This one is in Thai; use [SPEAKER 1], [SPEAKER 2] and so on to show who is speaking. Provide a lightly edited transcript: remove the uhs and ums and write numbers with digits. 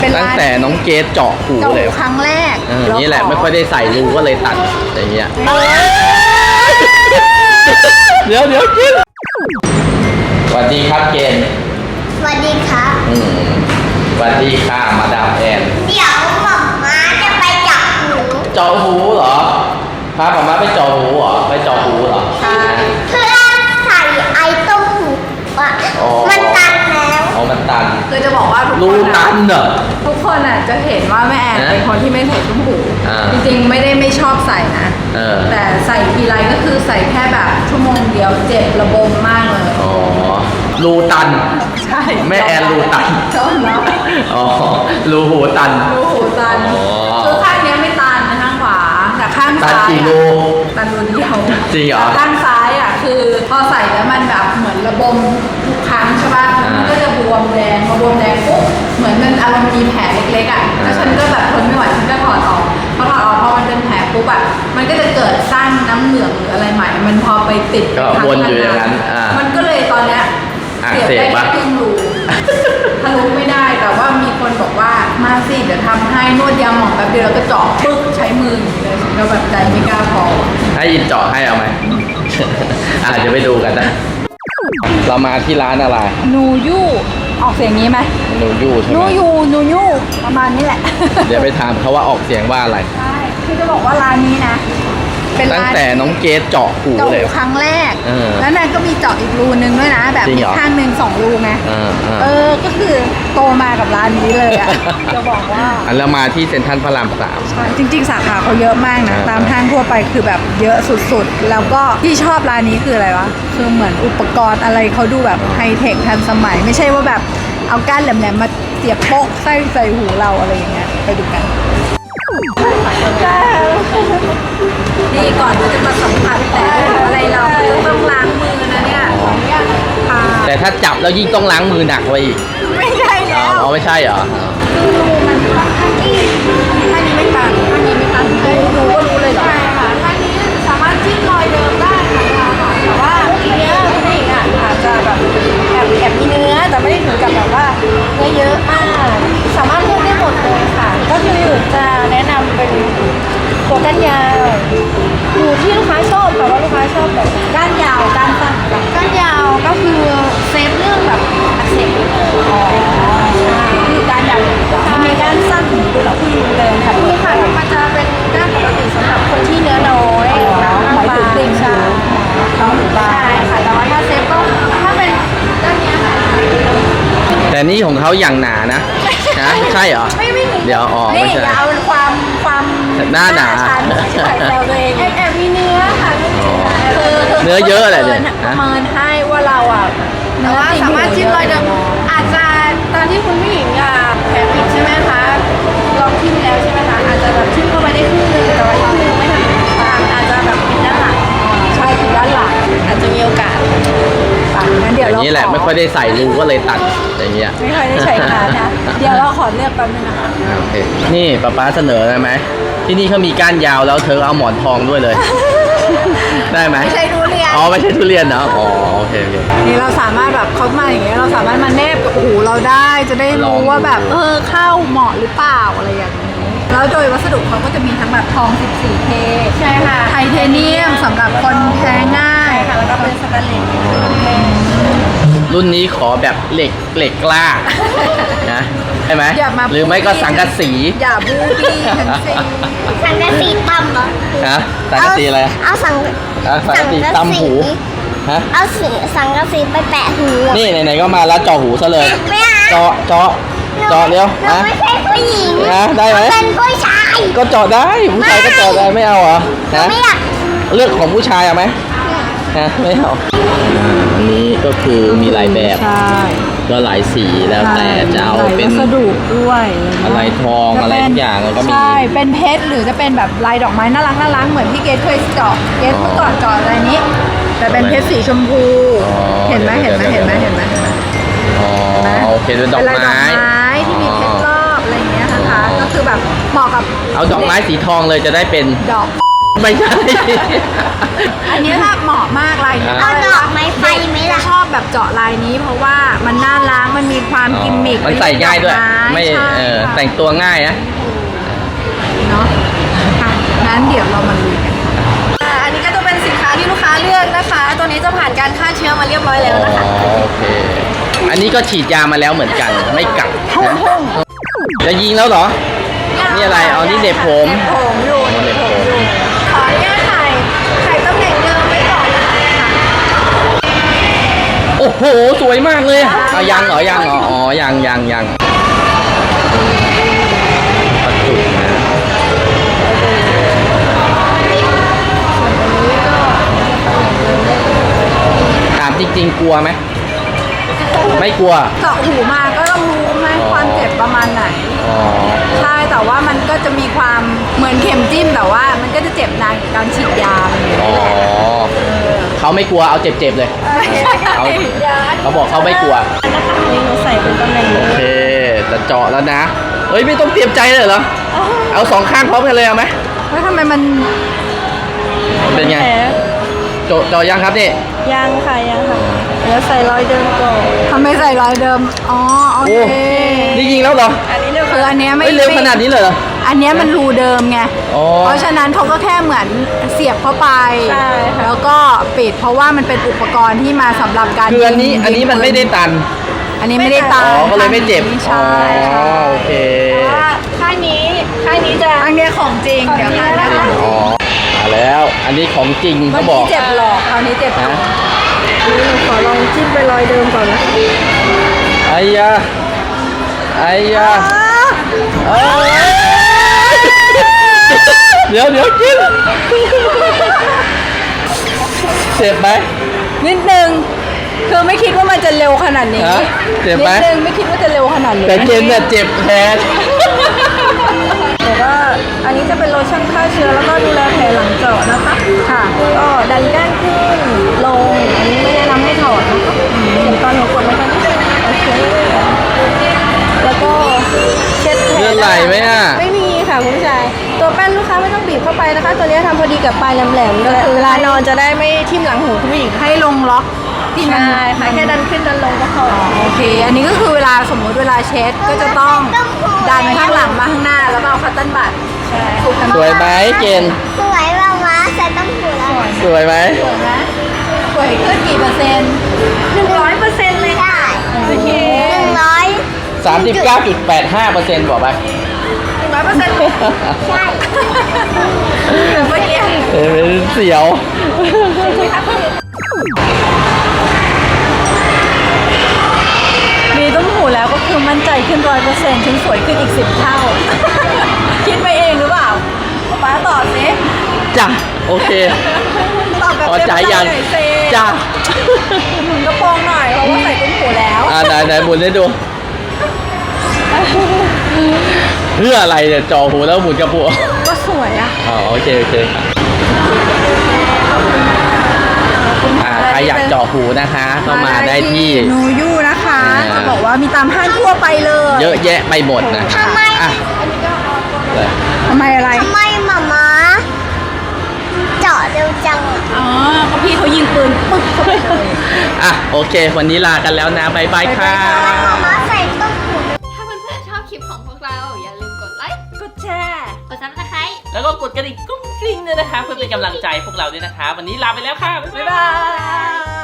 [SPEAKER 1] ตั้งแต่น้องเกดเจาะหูเลย
[SPEAKER 2] ครั้งแรก
[SPEAKER 1] นี่แหละไม่ค่อยได้ใส่รูก็เลยตัดอย่างเงี้ยเดี๋ยวกินสวัสดีครับเกณฑ์
[SPEAKER 3] สวัสดีครับ
[SPEAKER 1] สวัสดีค่ะมาดามแอน
[SPEAKER 3] เดี๋ยวหม่อม้าจะไปเจาะหู
[SPEAKER 1] เหรอพาผมมาไปเจาะหูเหรอไปเจาะหูเหรอ
[SPEAKER 3] ใช่เพื่อใส่ไอ้ต้มหูอ่ะมันตันแล้ว
[SPEAKER 1] มันตัน
[SPEAKER 2] คือจะบอกว่า
[SPEAKER 1] รูตันเหรอ
[SPEAKER 2] ทุกคนอ่ะจะเห็นว่าแม่แอนเป็นคนที่ไม่ใส่ต้มหูจริงๆไม่ชอบใส่นะแต่ใส่ทีไรก็คือใส่แค่แบบชั่วโมงเดียวเจ็บระบมมากเลย
[SPEAKER 1] รูตัน
[SPEAKER 2] ใช่
[SPEAKER 1] แม่แอนรูตัน
[SPEAKER 2] ชอบเนาะ
[SPEAKER 1] รูหูตัน
[SPEAKER 2] คือข้างนี้ไม่ตันนะข้างขวาแต่ข้างซ้าย
[SPEAKER 1] กี่รู
[SPEAKER 2] ตันรูเดียว
[SPEAKER 1] จริงเหรอ
[SPEAKER 2] ข้างซ้ายอ่ะคือพอใส่แล้วมันแบบเหมือนระบมทุกครั้งใช่ป่ะมันก็จะบวมแดงพอบวมแดงปุ๊บเหมือนมันอารมณ์มีแผลเล็กๆอ่ะแล้วฉันก็แบบทนไม่ไหวฉันก็ถอดออกพอมันเป็นแผลปุ๊บอ่ะมันก็จะเกิดสร้างน้ำเหลืองหรืออะไรใหม่มันพอไปติด
[SPEAKER 1] ก็วนอยู่อย่างนั้น
[SPEAKER 2] มันก็เลยตอนเนี้ยเสียบได้แค่ครึ่งรูทะลุไม่ได้แต่ว่ามีคนบอกว่ามาสิเดี๋ยวทำให้นวดยาหมองแป๊บเดียวแล้วก็เจาะปึ๊กใช้มืออย่างนี้เลยฉันก็แบบใจไม่กล้าพอ
[SPEAKER 1] ให้ยินเจาะให้เอาไหมเดี๋ยวไปดูกันนะเรามาที่ร้านอะไร
[SPEAKER 2] นูยูออกเสียงนี้ไหม
[SPEAKER 1] นูยูใช่ไหม
[SPEAKER 2] นูยูประมาณนี้แหละ
[SPEAKER 1] เดี๋ยวไปถามเขาว่าออกเสียงว่าอะไร
[SPEAKER 2] ใช่คือจะบอกว่าร้านนี้นะ
[SPEAKER 1] ตั้งแต่น้องเกดเจาะหูเลย
[SPEAKER 2] ครั้งแรกแล้วนั่นก็มีเจาะอีกรูนึงด้วยนะแบบมีข้างนึง2 รูไงก็คือโตมากับร้านนี้เลยอ่ะจะบอกว่า
[SPEAKER 1] แล้วมาที่เซ็นทรัลพระราม3
[SPEAKER 2] ใช่จริงๆสาขาเขาเยอะมากนะตามห้างทั่วไปคือแบบเยอะสุดๆแล้วก็ที่ชอบร้านนี้คืออะไรวะคือเหมือนอุปกรณ์อะไรเขาดูแบบไฮเทคทันสมัยไม่ใช่ว่าแบบเอาก้านแหลมๆมาเสียบโป๊กใส่หูเราอะไรอย่างเงี้ยไปดูกันนี่ก่อนจะมาสัมผัสแต่อะไรเราต้องล้างมือนะเนี่ย
[SPEAKER 1] แต่ถ้าจับแล้วยิ่งต้องล้างมือหนักไว้อีก
[SPEAKER 2] ไม่ใช่แล้ว
[SPEAKER 1] ไม่ใช่เหรอ
[SPEAKER 2] มันท่านี้ไม่ตันดูก็รู้เลยเหรอใช่ค่ะท่านี้สามารถจิ้มรอยเดิมได้ค่ะแต่ว่าทีเนี้ยคุณผู้หญิงอ่ะอาจจะแบบแอบมีเนื้อแต่ไม่ได้ถึงกับแบบว่าเนื้อเยอะมากสามารถเลือกได้หมดเลยค่ะก็คือจะแนะนำเป็นตัวก้านยาวอยู่ที่ลูกค้าชอบค่ะว่าลูกค้าชอบแบบก้านยาวก้านสั้นก้านยาวก็คือเซฟเรื่องแบบอักเสบนิดนึงใช่คือก้านยาวมีก้านสั้นถึงตัวเราผู้หญิงเลยค่ะนี่ค่ะมันจะเป็นก้านปกติสำหรับคนที่เนื้อน้อยหมายถึงติ่งใช่ค่ะแต่ว่าถ้าเซฟก็ถ้าเป็นก้านนี้ค่ะ
[SPEAKER 1] แต่นี่ของเขาอย่างหนานะใช่เหรอเดี๋ยว
[SPEAKER 2] ไม่ใช่เอาความ
[SPEAKER 1] หน้าหนา
[SPEAKER 2] ใส่แซวตัวเองแอบมีเนื้อค่ะ
[SPEAKER 1] เนื้อเยอะอะไรเนี่ย
[SPEAKER 2] ประเมินให้ว่าเราอ่ะเนื้อสามารถจิ้มรอยเดิมอาจจะตอนที่คุณผู้หญิงแผลปิดใช่ไหมคะลองจิ้มแล้วใช่ไหมคะอาจจะแบบจิ้มเข้าไปได้ครึ่งนึงแต่ว่าอีกครึ่งนึงไม่ทันอาจจะแบบปิดด้านหลังใช่ปิดด้านหลังอาจจะมีโอกาสงั้นเดี๋ยว
[SPEAKER 1] นี่แหละไม่ค่อยได้ใส่รูก็เลยตัดอย่างเงี้ย
[SPEAKER 2] ไม่ค่อยได้ใช้งานนะเดี๋ยวเราขอเลือกแป๊บนึงนะคะ
[SPEAKER 1] โอเคนี่ป๊าเสนอได้ไหมที่นี่เขามีก้านยาวแล้วเธอเอาหมอนทองด้วยเลยได้ไหม
[SPEAKER 2] ไม่ใช่ทุเรียน
[SPEAKER 1] ไม่ใช่ทุเรียนนะโอเค
[SPEAKER 2] นี่เราสามารถแบบเขามาอย่างเงี้ยเราสามารถมาแนบกับหูเราได้จะได้รู้ว่าแบบเข้าเหมาะหรือเปล่าอะไรอย่างนี้แล้วโดยวัสดุเขาก็จะมีทั้งแบบทอง 14K ใช่ค่ะไทเทเนียมสำหรับคนแพ้ง่ายค่ะแล้วก็เป็นสแตนเลส
[SPEAKER 1] รุ่นนี้ขอแบบเหล็กกล้านะใช่ไหมหรือไม่ก็สังกะสี
[SPEAKER 2] อย่าบูบี้ทั้งสิ้น
[SPEAKER 3] สังกะสีต่ำเหรอ
[SPEAKER 1] สังกะสีอะไร
[SPEAKER 3] เอาสัง
[SPEAKER 1] กะสีต่ำหู
[SPEAKER 3] เอาสังกะสีไปแปะหู
[SPEAKER 1] นี่ไหนๆก็มาแล้วเจาะหูซะเลยเจาะเร็ว
[SPEAKER 3] ไม่ใช่ผู้หญิง
[SPEAKER 1] ได้ไหม
[SPEAKER 3] เป็นผู้ชาย
[SPEAKER 1] ก็เจาะได้ผู้ชายก็เจาะได้ไม่เอาเหรอ
[SPEAKER 3] ไม่อยาก
[SPEAKER 1] เลือกของผู้ชายเอาไหมไม่เอาอันนี้ก็คือมีหลายแบบก็หลายสีแล้วแต่จะเอาเป็น
[SPEAKER 2] วัสดุด้วย
[SPEAKER 1] อะไรทองอะไรทุกอย่างแล้วก็มี
[SPEAKER 2] ใช่เป็นเพชรหรือจะเป็นแบบลายดอกไม้น่ารักเหมือนที่เกดเคยเจาะเกดเมื่อก่อนเจาะอะไรนี้แต่เป็นเพชรสีชมพูเห็นไหม
[SPEAKER 1] โอเคเป็นดอกไม้
[SPEAKER 2] ที่มีเพชรรอบอะไรอย่างเงี้ยนะคะก็คือแบบเหมาะกับ
[SPEAKER 1] เอาดอกไม้สีทองเลยจะได้เป็น
[SPEAKER 2] ดอก
[SPEAKER 1] ไม่ใช่
[SPEAKER 2] อันนี้ถ้าเหมาะมากลายนี้
[SPEAKER 3] เอาดอกไม้ไฟไหมล่ะ
[SPEAKER 2] ชอบแบบเจาะลายนี้ เพราะว่ามันน่ารักมันมีความกิมมิค
[SPEAKER 1] มันใส่ง่ายด้วย ไม่
[SPEAKER 2] ใช่ค่ะ
[SPEAKER 1] แต่งตัวง่ายนะ
[SPEAKER 2] เนาะค่ะงั้นเดี๋ยวเรามาลุยกันอันนี้ก็จะเป็นสินค้าที่ลูกค้าเลือกนะคะ ตัวนี้จะผ่านการฆ่าเชื้อมาเรียบร้อยแล้วนะคะ
[SPEAKER 1] โอเค อันนี้ก็ฉีดยามาแล้วเหมือนกัน ไม่กัดนะจะยิงแล้วเหรอ นี่อะไรเอานี่เหน็บผม
[SPEAKER 2] เหน็บผมอยู่
[SPEAKER 1] เหน็บผม
[SPEAKER 2] ขออนุญาตถ่ายตำแหน่งเดิมไว้ก่อนนะคะ
[SPEAKER 1] โอ้โห สวยมากเลยเอายังเหรอ ยังเหรอ อ๋อ ยังประจุนะถามจริงๆ กลัวไหม ไม่กลัว
[SPEAKER 2] เจาะหูมาก็ต้องรู้ไหมความเจ็บประมาณไหน
[SPEAKER 1] อ๋อ
[SPEAKER 2] ใช่แต่ว่ามันก็จะมีความเหมือนเข็มจิ้มแต่ว่ามันก็จะเจ็บนานกว่าการฉีดยาอะไรอย่าง
[SPEAKER 1] อ๋
[SPEAKER 2] เงี้
[SPEAKER 1] อ
[SPEAKER 2] ยแหละ
[SPEAKER 1] เขาไม่กลัว เอาเจ็บๆเลย เขาบอกเขาไม่กลัว
[SPEAKER 2] นะคะอันนี้หนูใส่เป็นตำแหน่ง
[SPEAKER 1] โอ
[SPEAKER 2] นี้
[SPEAKER 1] เค จะเจาะแล้วนะ เฮ้ย ไม่ต้องเตรียมใจเลยเหรอ เอาสองข้างพร้อมกันเลยเอาไหม
[SPEAKER 2] แล้วทำไมมัน
[SPEAKER 1] เป็นไง เจาะยังครับนี่
[SPEAKER 2] ยังค่ะเดี๋ยวใส่รอยเดิมก่อนทำไมใส่รอยเดิมอ๋อโอ
[SPEAKER 1] โอ้
[SPEAKER 2] เค
[SPEAKER 1] นี่ยิงแล้วเหรอ
[SPEAKER 2] อันนี้คืออันเนี้ยไม่
[SPEAKER 1] เฮ้ยเร็วขนาดนี้เลยเหรอ
[SPEAKER 2] อันเนี้ยมันรูเดิมไง
[SPEAKER 1] อ๋อ
[SPEAKER 2] เพราะฉะนั้นเขาก็แค่เหมือนเสียบเข้าไปแล้วก็ปิดเพราะว่ามันเป็นอุปกรณ์ที่มาสำหรับการ
[SPEAKER 1] คืออันนี้
[SPEAKER 2] ยิง
[SPEAKER 1] อันนี้มันไม่ได้ตัน
[SPEAKER 2] อันนี้ไม่ได้ตา
[SPEAKER 1] อ๋อ ก็เลยไม่เจ็บ
[SPEAKER 2] ใช่
[SPEAKER 1] อ๋อ โอเค
[SPEAKER 2] ค่ายนี้จะอันเนี้ยของจริงเดี๋ยวค่ายนี้
[SPEAKER 1] อ๋อ มาแล้ว อันนี้ของจริง
[SPEAKER 2] เมื่
[SPEAKER 1] เขา
[SPEAKER 2] อ
[SPEAKER 1] บอก
[SPEAKER 2] กี้เจ็บหลอกคราวนี้เจ็บ
[SPEAKER 1] นะ
[SPEAKER 2] ขอลองจิ้มไปรอยเดิมก่อนนะ
[SPEAKER 1] ไอ้ยาไอ้ยาเอ้ยเดี๋ยวกินเจ็บไหม
[SPEAKER 2] นิดนึงคือไม่คิดว่ามันจะเร็วขนาดนี้
[SPEAKER 1] ฮะเจ็บไหม
[SPEAKER 2] นิดนึงไม่คิดว่าจะเร็วขนาดนี้
[SPEAKER 1] แต่เจนเนี่ยเจ็บแทน
[SPEAKER 2] แต่ว่าอันนี้จะเป็นโลชั่นฆ่าเชื้อแล้วก็ดูแลแผลหลังเจาะนะคะค่ะก็ดันแก้มขึ้นลงอันนี้ไม่แนะนำให้ถอดนะคะเห็นตอนหนูกดไหมคะโอเคแล้วก็เช็ดแผล
[SPEAKER 1] เลือดไหลไหมอ่ะ
[SPEAKER 2] ไม่มีค่ะคุณผู้ชายตัวแป้นลูกค้าไม่ต้องบีบเข้าไปนะคะ ตัวนี้ทำพอดีกับปลายแหลมๆก็คือเวลานอนจะได้ไม่ทิ่มหลังหูคุณผู้หญิงให้ลงล็อกที่มันค่ะแค่ดันขึ้นดันลงก็พอโอเค อันนี้ก็คือเวลาสมมติเวลาเช็ดก็จะต้องดันข้างหลังมาข้างหน้าแล้วก็เอาคัตเติ้ลบัตถูกกัน
[SPEAKER 1] สวยไหมเจน
[SPEAKER 3] สวยมากมาใส่ต้องหูแล้ว
[SPEAKER 1] สวยไหม
[SPEAKER 2] สวยไหมสวยขึ้นกี่เปอร์เซ็นต์100%เลยค่ะโอเค
[SPEAKER 1] 39.85%บอกไป
[SPEAKER 2] 100%เลย
[SPEAKER 3] ใช่
[SPEAKER 2] แบบเมื่อกี้
[SPEAKER 1] เสียว
[SPEAKER 2] มีต้มหูแล้วก็คือมั่นใจขึ้น100%ฉันสวยขึ้นอีก10 เท่า คิดไปเองหรือเปล่าป๊าตอบสิ
[SPEAKER 1] จ้ะ โอเค
[SPEAKER 2] ตอบแบบ
[SPEAKER 1] พอใจยัง
[SPEAKER 2] หน่อยสิ
[SPEAKER 1] จ้ะ
[SPEAKER 2] หมุนกระโปรงหน่อยเพราะว่าใส่ต้มหูแล้ว
[SPEAKER 1] ไหนหมุนให้ดู เพื่ออะไรเนี่ยจ่อหูแล้วหมุนกระปุก
[SPEAKER 2] ก็สวยอ่ะ
[SPEAKER 1] อ๋อโอเคใครอยากเจาะหูนะคะ ก็มาได้ที่
[SPEAKER 2] นูยูนะคะ
[SPEAKER 1] อ่า
[SPEAKER 2] จะบอกว่ามีตามห้างทั่วไปเลย
[SPEAKER 1] เยอะแยะไปหมดนะคะ
[SPEAKER 3] ทำไม
[SPEAKER 1] อ่ะเลย
[SPEAKER 2] ทำไมอะไร
[SPEAKER 3] ทำไมหมาม้าเจาะเร็วจังอะ
[SPEAKER 2] อ๋อก็พี่เขายิงปืนปึ๊กเข้าไปเลย
[SPEAKER 1] อ่ะโอเค วันนี้ลากันแล้วนะบายบายค่ะ
[SPEAKER 3] หมาม้าใส่ต้องหู
[SPEAKER 4] ถ้าเพื่อนๆชอบคลิปของพวกเรา อย่าลืมกดไลค์
[SPEAKER 2] กดแชร์
[SPEAKER 4] กดซับสไครต์
[SPEAKER 1] แล้วก็กดกระดิ่งกุ้งกริ้งด้วยนะคะ เพื่อเป็นกำลังใจพวกเราด้วยนะคะ วันนี้ลาไปแล้วค่ะ บ๊ายบาย
[SPEAKER 2] บ๊ายบาย